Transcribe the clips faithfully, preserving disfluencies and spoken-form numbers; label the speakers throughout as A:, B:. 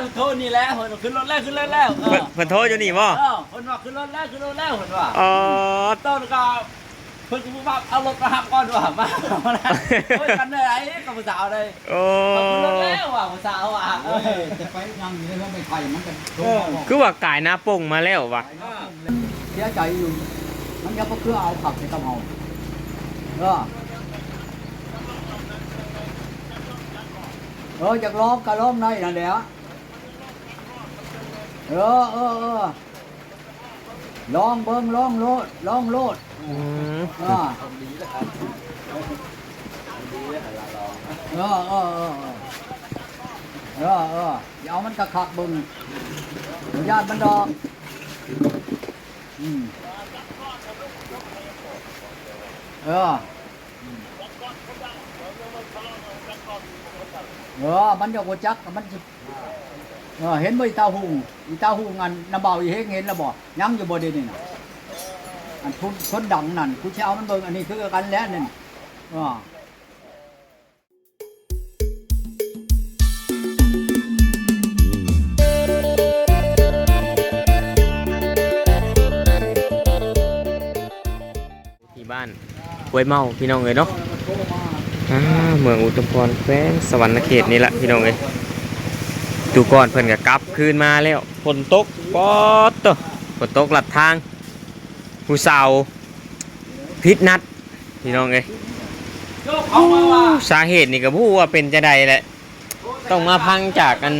A: โทษนี่แล้วเพิ่นขึ้นรถแล้วขึ้นรถแล้วเออ
B: เพิ่นโทรอยู่นี่บ่
A: เออเพิ่นว่าขึ้นรถแล้วขึ้นรถแล้วเพิ่นว่า
B: อ๋อ
A: ต้นก็เพิ่นก็ว่าเอารถมาหับก่อนว่ามาเฮ้ยกันได้ไอ้กับผู้สาวเลย
B: โอ้
A: ขึ้นรถแล้วว่ะผู้สาวว่ะเออ
C: จะไปยังอยู่แล้วไม่ไข่มันกัน
B: คือว่ากายหน้าป่งมาแล้วว่ะ
C: เสียใจอยู่มันยังบ่คือเอาผักใส่กระเพราเออเออจากล้อมกะล้อมในนั่นแหละเออเออเออลองเบิ้งลองโลดลองโลด
B: อืม
C: อ่าเออเออเออเออเอออย่าเอามันกระคักเบิ้งญาติมันดอกอืมเออเออมันจะโกจักมันเออเห็นบ่อีตาหูอีตาหูงันน้ำเบาอีเฮงเห็นแล้วบ่ยังอยู่บ่เดี๋ยวนี้น่ะอันคนคนดังนั่นกูสิเอามันเบิ่งอันนี้คือกันแล้วนั่นอ่า
B: ที่บ้านห้วยเมาพี่น้องเอ้ยเนาะอ่าเมืองอุทุมพรแขวงสวรรณเขตนี่แหละพี่น้องเอ้ยตูก่อนเพิ่นก็กลับคืนมาแล้วฝนตกปอดตฝนตกหลัดทางผู้สาวพิษนัดพี่น้องเอ้ยสาเหตุนี่ก็บ่ฮู้ว่าเป็นจังไดแหละต้องมาพังจากกัน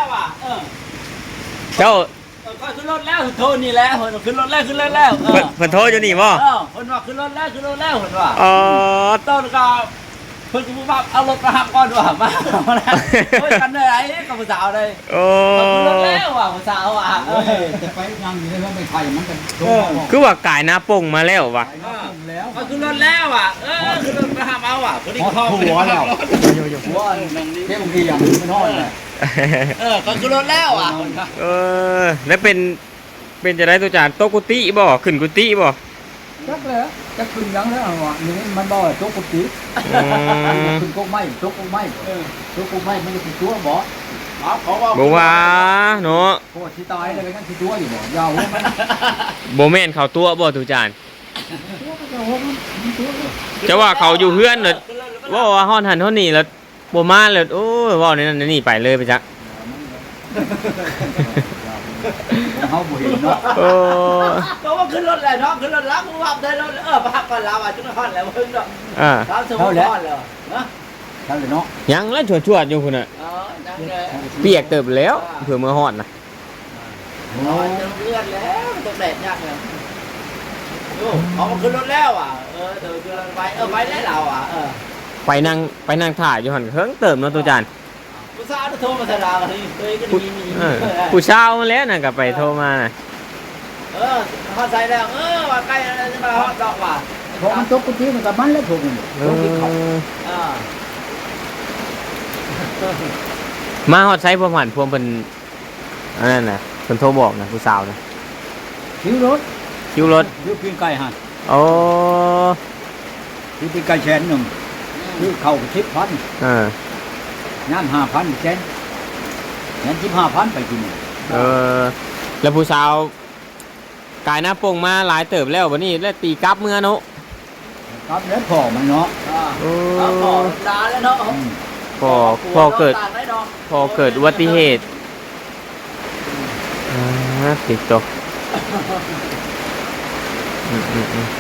B: เจ้า
A: ก็ขึ้นรถแล้วโทษนี่แล้วเพิ่นขึ้นรถแล้วขึ้นรถแล้ว
B: เพิ่นเพิ่นโทรอยู่นี่บ่
A: เออเพิ่นว่าขึ้นรถแล้วขึ้นรถแล้วเพิ่นว่า
B: อ๋อ
A: ต้นก็เพิ่นก็ว่าเอารถมาหับก่อนว่ามาเฮ้ยกันได้ไอ้กับผู้สาวเลย
B: โอ้
A: ขึ้นรถแล้วว่ะผู้สาวว่ะเออ
C: จะไปยังอยู่แล้วไม่ไข่มันกัน
B: คือว่ากายหน้าป่งมาแล้วว่ะ
A: ก็ขึ้นรถแล้วว่ะเออขึ้นรถมาหับเอาว่ะพอดีเข้า
C: หัวแล้วหัวเท่บางทีอย่างไม่ทอดเลย
A: เออก็ขึ้นรถแล้วอ่ะ
B: เออแล้วเป็นเป็นจะได้ตัวจานโตกุติบ่ขึ้นกุติบ่
C: จักเลยจะขึ้นยังแล้วอ่ะนี่มันบ่โต๊ะกุฏิขึ้นกุ๊กไม้โต๊ะกุ๊กไม้โต๊ะกุ๊กไม้มันจะติดตัวบ่
B: บ่ว่าเนาะ
C: โคตรที่ตายเลยกันติดตัวอยู่บ่ยาวมัน
B: บ่แม่นเขาตัวบ่ตัวจานจะว่าเขาอยู่เฮือนเด้อว่าว่าฮ้อนหันฮ้อนนี่แล้วบ่มาแล้วโอ้ยว้าในนั้นนี่ไปเลยไปจัก
C: เฮาบ่เห็นเนาะ
B: โอ้
A: ก็ว่าขึ้นรถแล้วเนาะขึ้นรถแล้วกูว่าได้รถเออพักก่อนแล้วอ่ะจุดฮอดแล้วเพิ่นเนาะ
B: อ่า
A: ตามสมมุติฮอดแล้วฮะ
C: นั่นเลยเนาะ
B: ยังแล้วชวดๆอยู่พุ่นน่ะ
A: อ๋อจังเลย
B: เปียกเติบแล้วเผื่อมื้อฮอดน่ะ
A: โอ้ยจะเลือดแล้วตกแดดยากเลยโอ้เอาขึ้นรถแล้วอ่ะเออเดี๋ยวไปเออไปแล้วเราอ่ะเออ
B: ไปนั่งไปนั่งถ่ายอยู่หั่นเฮิงเติมเนาะตัวจาน
A: ผู้สาวโทรมาสดากันนี่เคยก็มีมี
B: ผู้สาวมาแล้วน่ะก็ไปโทรมาน่ะ
A: เออฮอดใส่แล้วเออว่าใกล้จะมาฮอดดอกว่ะ
C: พอมันตกกุฏิมันก็มันแล้วถูกนี่ตกที่เขา
A: อ่า
B: มาฮอดใช้พวกหันพวกเพิ่นอันนั้นน่ะเพิ่นโทรบอกน่ะผู้สาวน่ะ
C: คิวรถ
B: คิวรถ
C: คิวปีนไก่หั่น
B: อ๋อ
C: คิวปีนไก่แสนนึงคือเข้าสิบพัน
B: เออ
C: น้ำห้าพันแสนงั้นสิบห้าพันไปกิน
B: เออแล้วผู้สาวกายหน้าป่งมาหลายเติบแล้ววันนี้แล้วตีกลับเมื่อเนาะ
C: กลับแล้วพอมันเนาะ
A: อ่าพอดาแล้วเนาะ
B: พอพอเกิดพอเกิดอุบัติเหตุอ่าติดตกอืมอืมอืม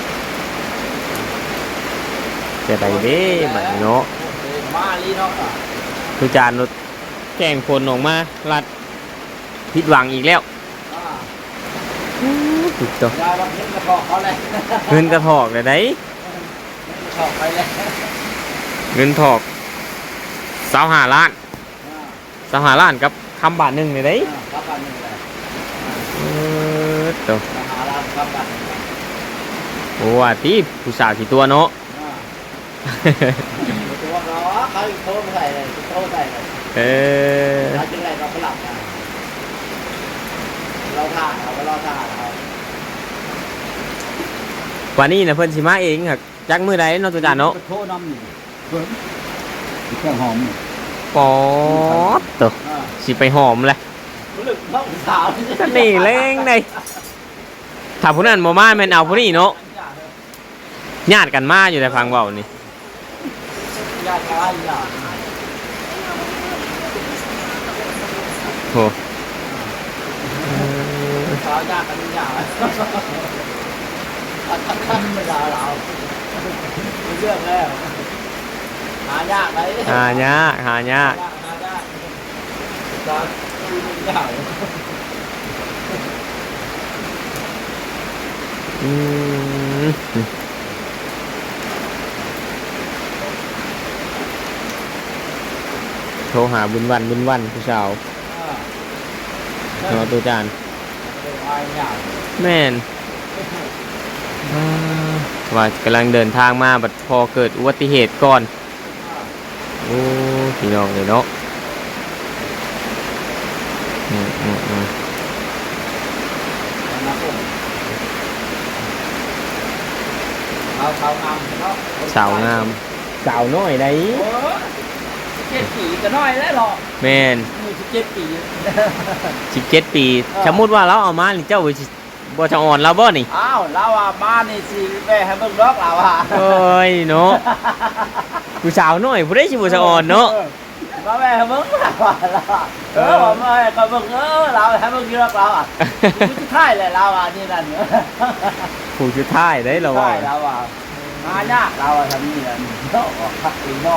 B: จะได้เด้บัดเนาะ
A: มาลีเนาะ
B: คือจานรถแข่งคนออกมาลัดผิดหวังอีกแล้วติดตัว
A: เงินกระถอกเขาเลย
B: เงินกระถอกเลยได้
A: ถอกไปเลย
B: เงินถอกสาวหาล้านสาวหาล้านกับคำบาทหนึ่งเลยได้
A: คำบาทหนึ่งเลย
B: เออตัว
A: สาวหาล้านคำบาทหนึ่ง
B: โอ้ว่าตีผู้สาวกี่ตัวเนาะ
A: ตัวเนาะเขาโทรมาใส่เลยโทรใส่เลย
B: เออ
A: เราจึงไรเราก็หลับนะเราท่าเราก็รอท่าเรา
B: วันนี้นะเพิ่นสิมาเองครับจักมือใดเนาะตัวจานเนาะ
C: โทรนำนี่เพิ่นเครื่องหอม
B: ปอดตัวสิไปหอมแหละ
A: ผู้ลึกน้องสาว
B: ก็นี่เล้งได้ถ้าผู้นั้นบ่มาแม่นเอาผู้นี้เนาะญาติกันมาอยู่แต่ฟังเว้านี่
A: ญาติอะไรญาติ
B: โห
A: สาวญาติกันญาติทั้งทั้งไม่ด่าเราเรื่องแล้วหายากเลย
B: หายากหายาก
A: หายากตอนยาก
B: อืมโทรหาบุญวันบุญวันผู้สาวรอตัวจานแม่นอ่าว่ากำลังเดินทางมาบัดพอเกิดอุบัติเหตุก่อนโอ้พี่น้องเลยเนาะอืมอืมอืม
A: สาวสาวงามเนาะ
B: สาวงามสาวน้อยได้
A: โอ้เจ็ดปีก็น้อยแล้วหรอ
B: แม่น
A: มีสิบเจ็ดปี
B: สิบเจ็ดปีสมมุติว่าเราเอามานี่เจ้าสิบ่จะอ่อนเราบ่นี่
A: อ้าวเราอ่ะมานี่สิแม่ให้เบิ่งดอกเราอ่ะ
B: โอ้ยเนาะผู้สาวน้อยผู้ใดสิบ่จะอ่อนเนาะ
A: มาแม่ให้เบิ่งเราอ่ะเออว่าแม่ก็เบิ่งเออเราให้เบิ่งดอกเราอ่ะสุดท้ายแหละเราอ่ะนี่นั่น
B: ผู้สุดท้ายได้เรา
A: ใช่
B: ว่า
A: เราอ่ะมายากเราอ่ะทำนี่อ่ะเนาะออกพักอีเนาะ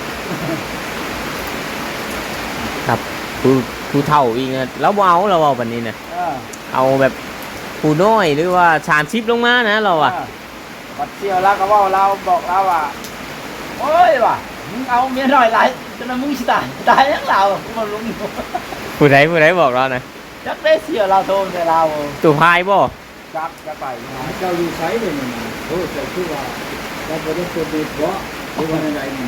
B: ครับผู้ผู้เฒ่าอีกนะเราบ่เอาเราเอาบัดนี้นะ
A: เออ
B: เอาแบบผู้น้อยหรือว่าสามสิบลงมานะเราอ่ะ
A: ปัดเที่ยวแล้วก็ว่าเราบอกเราว่าโอ้ยว่ะมึงเอาเมียหน่อยไรจนมึงสิตายตายยังเรามาลุง
B: ผู้ใดผู้ใดบอกเรานะ
A: จักได้เสียเราโทรแต่เรา
B: ตู่พายบ่
A: จักจะไปนะ
C: เจ้าอยู่ไสเลยนี่นะโอ้เจ้าคือว่าเจ้าบ่ได้ตัวดีเพราะคือว่าใดๆนี่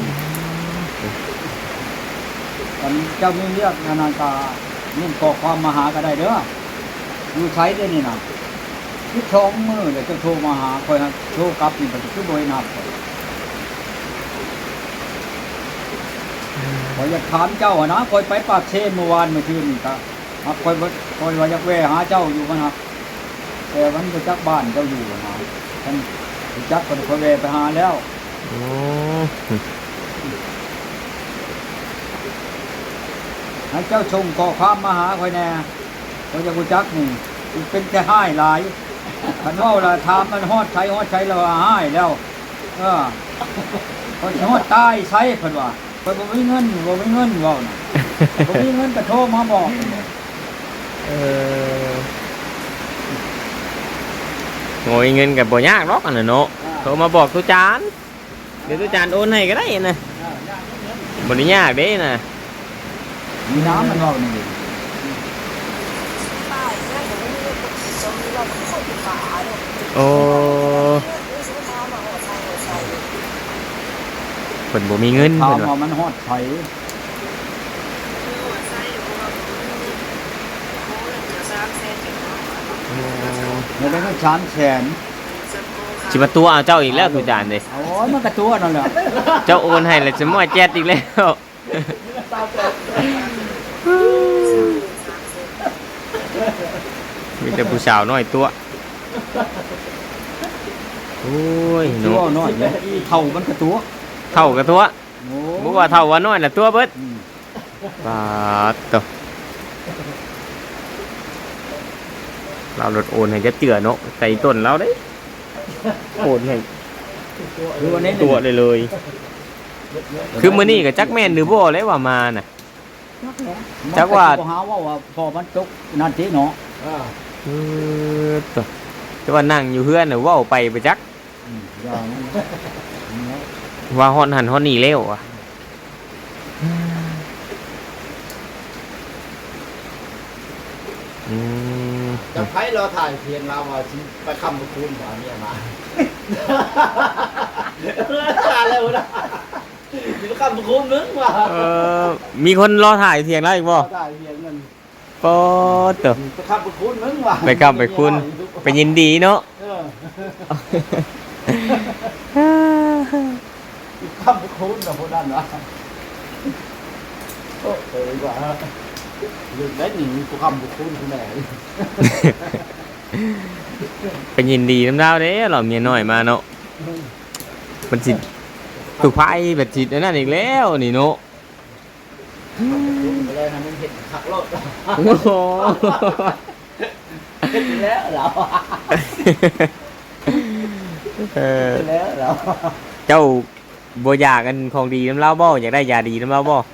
C: ตอนเจ้ามีเรียกธนาคารนี่ขอความมาหาก็ได้เด้ออยู่ไสเด้อนี่นะที่ชองมือเดี๋ยวจะโทรมาหาคอยนะโทรกลับนี่ก็คือบ่ได้นับขอยอยากถามเจ้าอะนะคอยไปปากเชนเมื่อวานเมื่อคืนนี่ก็ครับคอยบ่คอยว่าอยากแวะหาเจ้าอยู่มันครับแต่มันบ่จักบ้านเจ้าอยู่นะท่านบ่จักคนคอยแวะไปหาแล้ว
B: โอ้
C: ให้เจ้าชงก่อความมาหาคอยแน่คอยจะบ่จักนี่เป็นแต่ห้ายหลายคันเว้าล่ะถามมันฮอดไสฮอดไสแล้วว่าห้ายแล้วเออคอยสิฮอดตายไสเพิ่นว่าคอยบ่มีเงินบ่มีเงินเว้าน่ะบ่มีเงินก็โทรมาบอก
B: เออโง่เงินกับบ่ยากหรอกอันน่ะเนาะโทรมาบอกตุจานเดี๋ยวตุจานโอนให้ก็ได้นะบ่ได้ยากเด้นะ
C: มีน้ำมันเว้านี่
B: โอ้เพิ่นบ่มีเงิน
C: ถา
B: เพิ่
C: ม
B: นว่า
C: ว่ามันฮอดไสไม่ได้เงินสามแสน
B: สิมาตัวเอาเจ้าอีกแล้วตุจานเด้
C: โอ้ยมันก็ตัวนั่นแหละ
B: เจ้าโอนให้แล้วจะมั่วแจ๊ดอีกแล้ว มีแต่ผู้สาวน้อยตัวโอ้ย
C: ตัว
B: เนาะ
C: น้อยเนี่ยเท่ามันก็ตัว
B: เท่ากับตัว
C: โอ้
B: บ่ว่าเท่าว่าน้อยน่ะตัวเบิด
C: อืม
B: ปาดตัวเราลดโอนให้จะเจือเนาะใส่ต้นเราเด้โอนให้
C: คือวันนี้
B: ตัวเลยเลย คือมื้อนี้ก็จักแม่นหรือบ่เลยว่ามาน่ะ จักว่า
C: หาว่าว่าพอมันตกนั่นทีเนาะ
B: เออตัวแต่ว่านั่งอยู่เฮือนน่ะเว้าไปไปจัก
C: อืมอย่างนั้น
B: ว่าฮอนหันฮอนนี่แล้วอ่ะอืม
A: จะให้เราถ่ายเพียงเราว่าไปคำประคุณบ่เนี่ยมาอะไรวะนะอยู่คำประคุณมึงว่ะ
B: เออมีคนรอถ่ายเถียงแล้วอีกบ่
A: ถ่ายเพียงเงิน
B: ปอเตอ
A: ไปคำประคุณมึงว่ะ
B: ไปคำไปคุณไปยินดีเนาะ
A: เออคำประคุณนะพวกนั้นนะโอ้เออดีกว่าลืมได้หนึ่งกูคำบุคคลคุณแม่
B: เป็นยินดีน้ำดาวเด้หล่อเมียน้อยมาเนาะมันสิถูกไพ่แบบจิตนั่นอีกแล้วนี่เนาะ
A: ไปเลยนะมึงเห็นขักรถ
B: โอ้โห
A: เห็นแล้วเหรอ
B: เออ
A: เห็นแล้วเหรอ
B: เจ้าบ่อยากกันของดีน้ำเล่าบ่อยากได้ยาดีน้ำเล่าบ่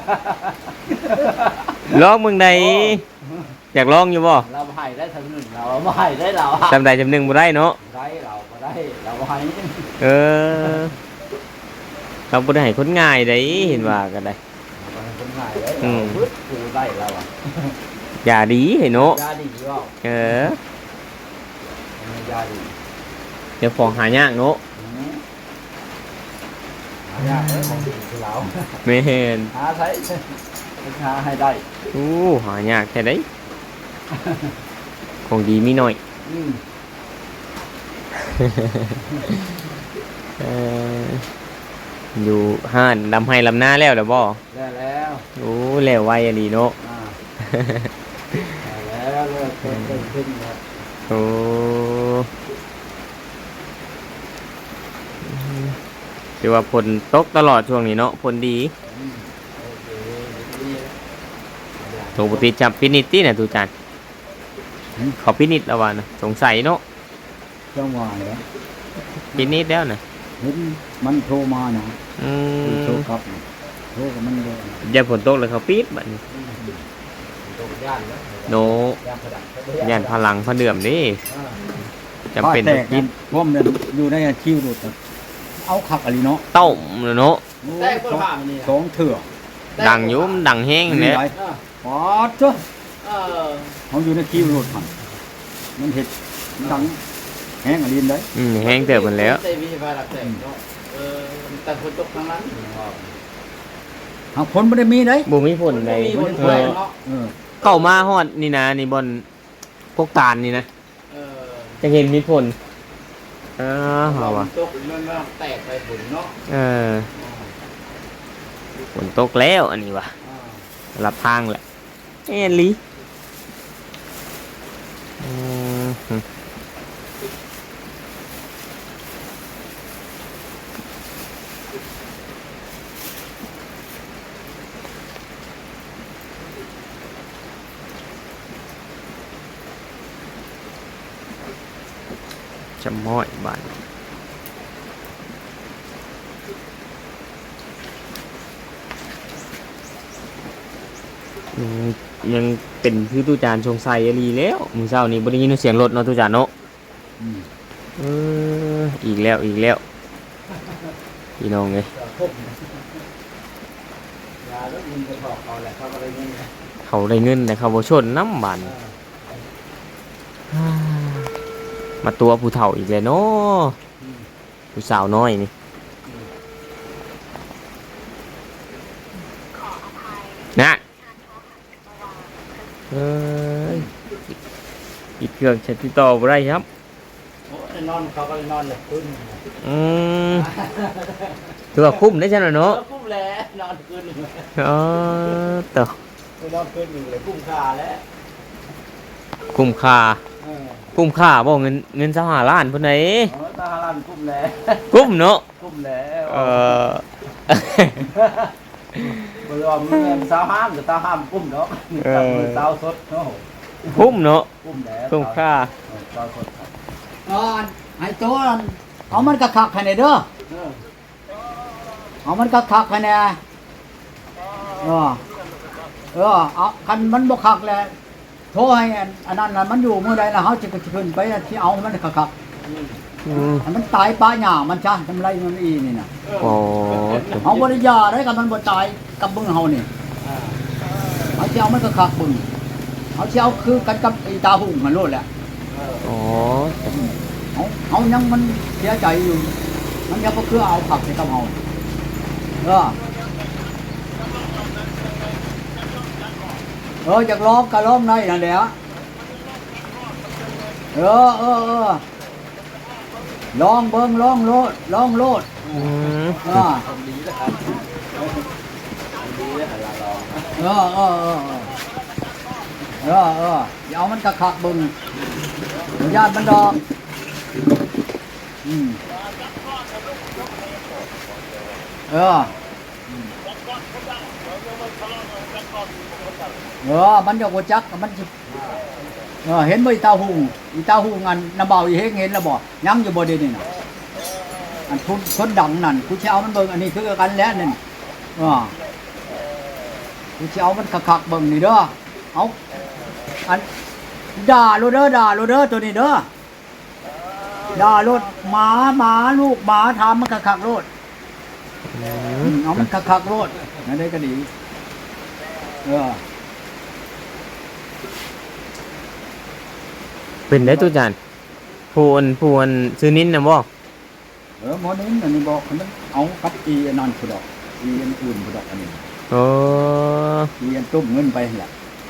B: ลองมึงใดอยากลองอยู่บ่
A: เราให้ได้ทั้งหนึ่งเราไม่ให้ได้เรา
B: จำใดจำหนึ่งบ่ได้เนาะ
A: ได้เราไม่ได้เราให้
B: เออเขาบ่ได้ให้คนง่ายได้เห็นว่ากันได้
A: คนง่ายได้เราพึ่งกูได้เราอ่ะ
B: ยาดีให้เนาะ
A: ยาดีว่า
B: เออย
A: าดี
B: เดี๋ยวของหายากเนาะ
A: หายากเลยของดีคือเรา
B: แม่น
A: หาใช้หาให้ได้
B: อู้หายากแค่ไดของดีมีหน่อย
A: อืม
B: เอออยู่ห้านลำไห้ลำหน้าแล้วเด้อบ่
A: ได้แล้ว
B: โอ้แล้วไวอะดีเนาะ
A: อ่าได้แล้วเลิกเพิ่มขึ้นแล้ว
B: โอ้ถือว่าฝนตกตลอดช่วงนี้เนาะฝนดี
A: อืมโอเคดีแล้ว
B: ปกติจับปินิตตี้น่ะตูจานเขาปินิตแล้วว่านะสงสัยเนาะ
C: จังหวะเนี่ย
B: ปินิตแล้วน่ะ
C: เห็นมันโทรมานะ
B: อื
C: โทร
B: ม
C: กลับนะโทรกับมันเลย
B: อย่าฝนตกเลยเขาปิดบัดนี้
A: อืมตกย่านแล้ว
B: โน
A: ย่านผดัก
B: ย่านพลังพระเดื่อมเดิ
A: อ่า
B: จำเป็น
C: แต
B: ต้อง
C: ก
B: กิน
C: พวกมันอยู่ในคิวดูดเอาขักอะไรเนาะ
B: ต้มเนาะ
A: แตกเปิดผ้ามันนี่
C: สองเถื่อ
B: ดังอยุ่มนดังแห้งเนี่ย
C: ไหน
A: อ่า
C: ปอดเจ้า
A: เออ
C: เขาอยู่ในคิวดูดมันมันเห็ดดังแห้งอะไรเลย
B: อืมแห้งเติบมันแล้ว
A: เตมีไฟดักแตกเนาะเออแต่คนตกทั้งนั้น
C: หากผลไม่ได้มีเลย
B: บ่มีผลใด
A: มีคน
B: เอ
A: ช่วย
B: อ
A: เนาะ
C: เออ
B: เข้ามาฮอดนี่นะนี่บนพวกตาลนี่นะ
A: เออ
B: จะเห็นมีผลอ่าเฮาว่ะ
A: ตกมันมันแตกไปผลเนาะ
B: เออฝนตกแล้วอันนี้ว่ะ
A: อ่า
B: รับทางแหละเอ็นลีอืมจะม้อยบ้านยังยังเป็นคือตู้จานชงไซอรีแล้วมือเช้านี้บ่ได้ยินเสียงรถเนาะตู้จานเนาะ
C: อืม
B: เอออีกแล้วอีกแล้วพี่น้องเอ้ย
A: เดี๋ยวพบยาแล้วมึงจะบอกเขาแหละเขาก็เลยเงี้ย
B: เขาได้เงินแต่เขาบ่ชนน้ำบานมาตัวผู้เฒ่าอีกแล้วเนาะผู้สาวน้อยนี่นะเอ้ยอีกเครื่องใช้ติดต่อบ่ได้ครับ
A: โอ้ยนอนเขาก็เลยนอนเลยขึ้น
B: อืมถือว่าคุ้มได้ใช่ไหม
A: เอ
B: เนาะ
A: อกุ้มแล้วนอนขึ้นหนึ่งเลย
B: เออต่อน
A: อนขึ้นหนึ่งเลยกุ้มขาแล้ว
B: คุ้มค่า
A: เออ
B: คุ้มค่าบ่เงินเงินสหล้านเพิ่นไหน
A: เออตาลันกุ้มแล้ว
B: คุ้มเนาะ
A: กุ้มแล้ว
B: เออ
A: บริวารมีเงินสาวห้ามหรือตาห้ามกุ้มเนาะจับมือสาวสดเนาะ
B: คุ้มเนาะ
A: กุ้มแล้ว
B: คุ้มค่า
A: สาวสดครับ
C: อ่อนให้ตัวนั้นเอามันกระคักให้ในเด้อ
A: เออ
C: เอามันกระคักให้ในเออเออเอาคันมันบ่คักแล้วโทรให้อันอันนั้นน่ะมันอยู่เมื่อใดล่ะเฮาจะขึ้นไปที่เอามันกระคัก
A: อืม
B: อืม
C: ให้มันตายป้าหญ้ามันจ้ะทำไรมันอีนี่น่ะ
B: โอ้
C: เฮาบ่ได้ยาได้กับมันบ่ตายกับมึงเฮานี่
A: อ่า
C: เอาสิเอามันกระคักมึงเอาสิเอาคือกันกับไอ้ตาหุ่งมันโลดแหละ
A: เออ
B: โอ้
C: เอาเอายังมันเสียใจอยู่ มันยังบ่คือเอาขับให้กับเฮาเออเอออยากร้องก็ร้องได้นั่นแหละเออเออเออลองเบิ่งลองโลดลองโลด
B: อืม
C: เออ
A: ทำดีแล้วครับทำดีแล้วหันหลังรอ
C: เออเออเออเออเออเอออย่าเอามันกระคักเบึงญาติมันดอกอืมเออเออมันจะกจักมันจะเออเห็นบ่อีตาหูอีตาหูงานน้ำเบาอีเฮงเห็นแล้วบ่ยังอยู่บ่เดี๋ยวนี้น่ะอันทุนคนดังนั่นกูสิเอามันเบิ่งอันนี้คือกันแล้วนั่นเออกูสิเอามันคักๆเบิ่งนี่เด้อเอาอันด่าโลดเด้อด่าโลดเด้อตัวนี้เด้อด่าโลดหมาหมาลูกหมาทำมันคักๆโลดเอามันคักๆโลดนั่นได้ก็ดีเออ
B: เป็นได้ตุจานผู้อันผู้อันซื้อนิ้นนะบ่
C: เออหมอนี้อันนี้บอกมันเอากับอีอันนั้นผู้ดอกอีอันอื่นผู้ดอกอันนี้
B: โอ้
C: อีอันตุ้มเงินไปแหละ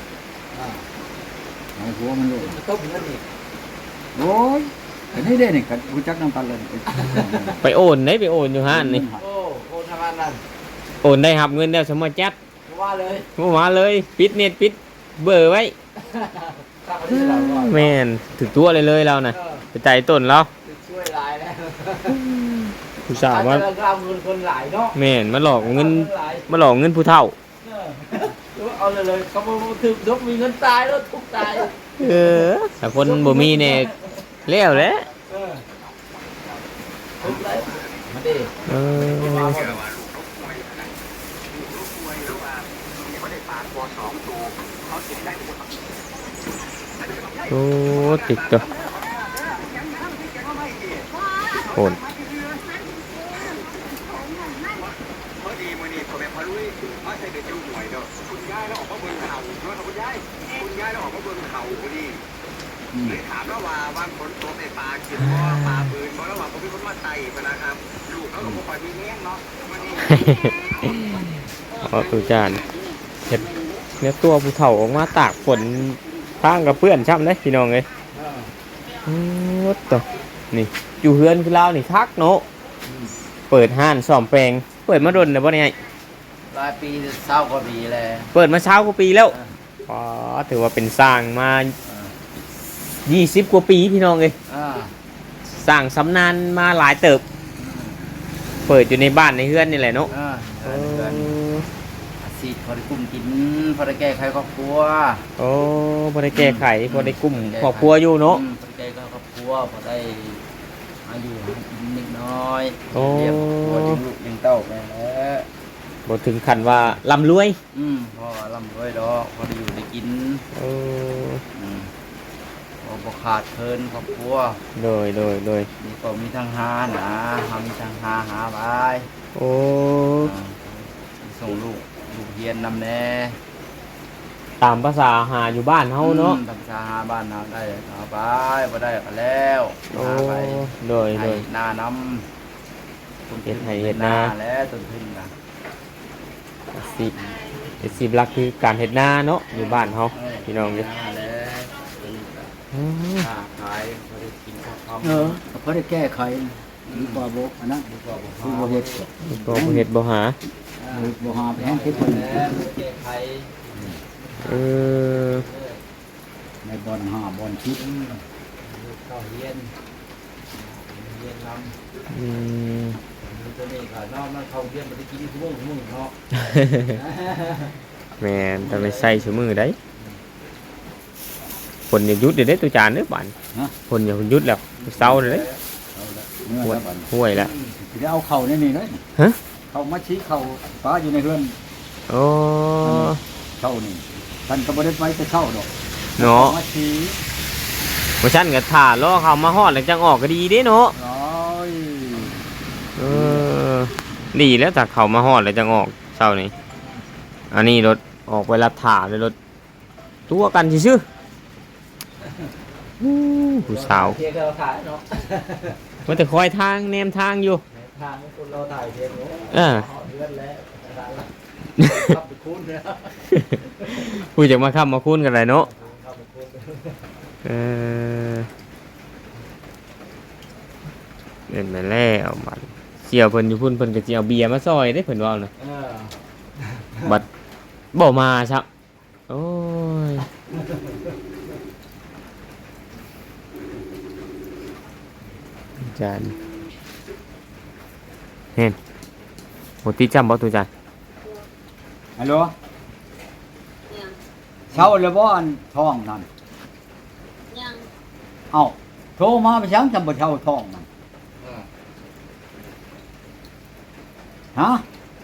C: เอาหัวมันโลด
A: ต้มเงินอีก
C: โอ้ยอันนี้ได้นี่กันรู้จักน้ำตาลเลย
B: ไปโอนได้ไปโอนอยู่ห้านนี่
A: โอ้โอนทำงานนั่น
B: โอนได้หับเงินแล้วสมมาจัด
A: ว่าเลย
B: บ่มาเลยปิดเน็ตปิดเบอร์ไว้
A: ข้าพเจ้าเราก่อน
B: แม่นถึงตัวเลยเลยเราน่ะไปใจต้นเรา
A: ช่วยหลายแล้ว
B: ผู้สาวว่า
A: อาจจะเอาเงินคนหลายเนาะ
B: แม่นมาหลอกเงินมาหลอกเงินผู้เฒ่า
A: เอาเลยเลยเขาบอกถึงยกมีเงินตายแล้วทุกตาย
B: เออถ้าคนบ่มีเนี่ยแล้วแหละ
A: เออทุกเลยมาดิ
B: เออโอ้ติดตัวโอน
D: พอดีมื้อนี้ผมไปพาลุยมาใส่เด็กอยู่หน่วยเด้อคุณยายแล้วออกมาเบิ่งเขาเนาะคุณยายคุณยายแล้วออกมาเบิ่งเขาพอดีเลยถามแล้วว่าบางคนตัวในปลากินบ่ปลาปืนบ่แล้วว่าบ่มีคนมาไต่พะนะครับลูกเขาก็บ่ค่อยมีแห้งเนาะมื้อนี้
B: เอาตูจานเห็ดเนื้อตัวผู้เฒ่าออกมาตากฝนทางกับเพื่อนช่ำเลยพี่น้องเลยอืมวัดต่อนี่อยู่เฮือนคือเรานี่ทักเนาะเปิดห้านซ่อมแปลงเปิดมาดนนะบ่เนี่ย
A: รายปีเศร้ากว่าปีแล้ว
B: เปิดมาเช้ากว่าปีแล้วอ๋อถือว่าเป็นสร้างมายี่สิบกว่าปีพี่น้องเลย
A: อ่า
B: สร้างสำนานมาหลายเติบ เปิดอยู่ในบ้านในเฮือนนี่แหละเนาะ
A: อ่าเอออาชีพพอได้กุ้มกินพอได้แก้ไขครอบครัว
B: โอ้พอได้แก้ไขพอได้กุ้มครอบครัวอยู่เนาะ
A: อืมพอได้แก้ไขครอบครัวพอได้อายุให้กินนิดน้อย
B: โอ้
A: เลี้ยงครอบครัวเลี้ยงลูกเลี้ยงเต้าไปแล้ว
B: บ่ถึงขั้นว่าร่ำรวย
A: อืมพอร่ำรวยดอกพอได้อยู่ได้กิน
B: โอ้
A: อืมพอบ่ขาดเคินครอบครัว
B: โดยโดยโดย
A: นี่ก็มีทางหานะหามีทางหาหาไป
B: โอ้
A: อ่าส่งลูกลูกเรียนนำแน่
B: ตามภาษาหาอยู่บ้านเฮาเนาะ
A: อืมทำชาหาบ้านเราได้เอาไปบ่ได้ก็แล้ว
B: โอ้
A: หาไป
B: โดยโด
A: ให้
B: ย
A: หน้าน้ำต้น
B: เฮ็
A: ทุ
B: ด
A: น
B: ให้เฮ็ดนา
A: แล้วต้นทุนนะ
B: สิสิบหลักคือการเฮ็ดนาเนาะอยู่บ้านเฮาพี่น้องเด้อ
A: หาแล้วต้นก็
B: อืม
A: ค้าขายบ่ได้กินข้าวคำ
C: เออเขาได้แก้ไขดีกว่าบ่อันนั้น
A: ดีกว่าบ่
C: คือ
A: หา
C: บ่เฮ็ด
B: บ่บ่เฮ็ดบ่หา
C: หรือบ่หาไปแห้งคิดเพิ่น
A: แล้วแก้ไข
B: เออ
C: ในบ่อนหาบ่อนคิด
A: ลูกเข้าเรียนเรียนนำ
B: อืม
A: ตัวนี้ก็นอกมันเข้าเรียนบ่ได้กินทุกมื้อทุกมื้อเนาะ
B: แม่นแต่ไม่ใส่ชั่วมือได้ฝนอย่าหยุดเดี๋ยวได้ตัวจานเด้อบ้านฝนอย่าหยุดแล้วเศร้าเลยเด้
C: เอาละเมื่อ
B: ห่วย
C: แล้วบัด
B: ห่วยแล้ว
C: สิได้เอาเข้าในนี่เลย
B: ฮะ
C: เข้ามาชี้เข้าป้าอยู่ในเฮือน
B: โอ้
C: เข้านี่ท่านก็บ่ได้ไปจะเข้าดอก
B: เนาะ
C: อมาชี้
B: บ่ชั้นก็ถ่าล้อเขามาฮอดแล้วจังออกก็ดีเด้เนาะ
C: ร้อย
B: เออดีแล้วถ้าเขามาฮอดแล้วจังออกเช้านี้อันนี้รถออกไปรับถ่าเลยรถตัวกันซื่อๆอู้ผู้สาว
A: เที่ยวเราถ่ายเนาะ
B: มันจะคอยทางแนมทางอยู่
A: ทางคนเราถ่ายเที่ยวเนาะ
B: เออ
A: เดือนแล้วขับไปคุ้นเนี่ย
B: ผู้จะมาค้ำมาคุ้นกันเลยเนาะ
A: ขับไปคุ้น
B: เออเล่นไปแล้วบัดเสี่ยวเพิ่นอยู่พุ่นเพิ่นก็สิเอาเบียร์มาซอยได้เพิ่นว่าน่ะ
A: เออ
B: บัดบ่มาซับโอ้ยจานเห็นโหตีจำบ่ตุจาน
C: ฮัลโหลเช่าแล้วบ่อันท้องนั่น
E: ยัง
C: เอ้าโทรมาไปช้างจำบ่เช่าท้องนั่นฮะ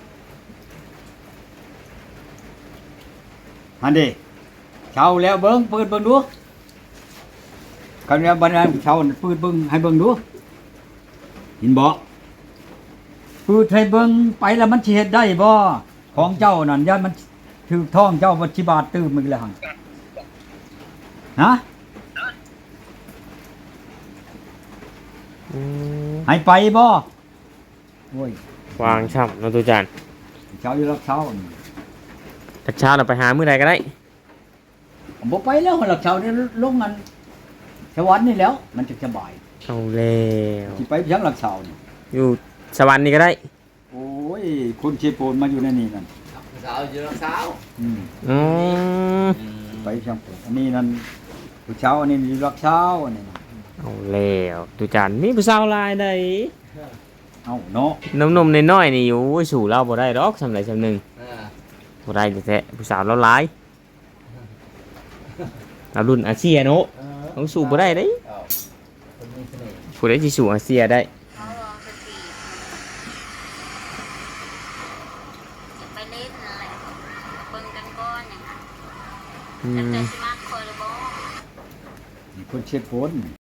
C: ฮันดิเช่าแล้วเบิ่งเปิดเบิ่งดูคันว่าบัดนั้นเช่าเปิดเบิ่งให้เบิ่งดูเห็นบ่เปิดให้เบิ่งไปแล้วมันสิเฮ็ดได้บ่ของเจ้านั่นย่านมันถูกท้องเจ้าบ่สิบาทตื้มมึงแล้วหั่นฮะ
B: อืม
C: ให้ไปบ่โอ้ยว
B: างช่ำเนาะตุจาน
C: เช้าอยู่รับเช้านี่
B: ตักเช้าเราไปหามื้อใดก็ได้
C: ผมบ่ไปแล้วรับเช้านี่ลงมันสวรรค์นี่แล้ว มันจะสบาย
B: เอาแล้ว
C: สิไปเพียงรับเช้านี่
B: อยู่สวรรค์นี่ก็ได้
C: โอ้ยคนเชโปนมาอยู่ในนี่นั่น
A: สาวอยู่รักสาว
C: อืม
B: อืม
C: ไปเพียงอันนี้นั่นผู้เช้าอันนี้อยู่รับเช้าอันนี้น่ะ
B: เอาแล้วตุจานมีผู้สาวหลายได้
C: เอ้าเนาะ
B: นมๆน้อยๆนี่โอ้ยสู่เราบ่ได้ดอกสำไรสำหนึง
A: เออ
B: บ่ได้แท้ๆผู้สาวเราหลายเรารุ่นอาเซียเนาะ
A: เออ
B: ต้องสู่บ่ได้เด้
A: เอาคนมีเสน่ห์
B: ผู้ใดสิสู่อาเซียได้
E: เขาลองสติจะไปเล่นอะไรเบิ่งกันก่อนอย่างนั้น
B: อื
E: แต่
B: ม
E: จะสิมาคอยหรือบ่
C: นี่คนเชโปน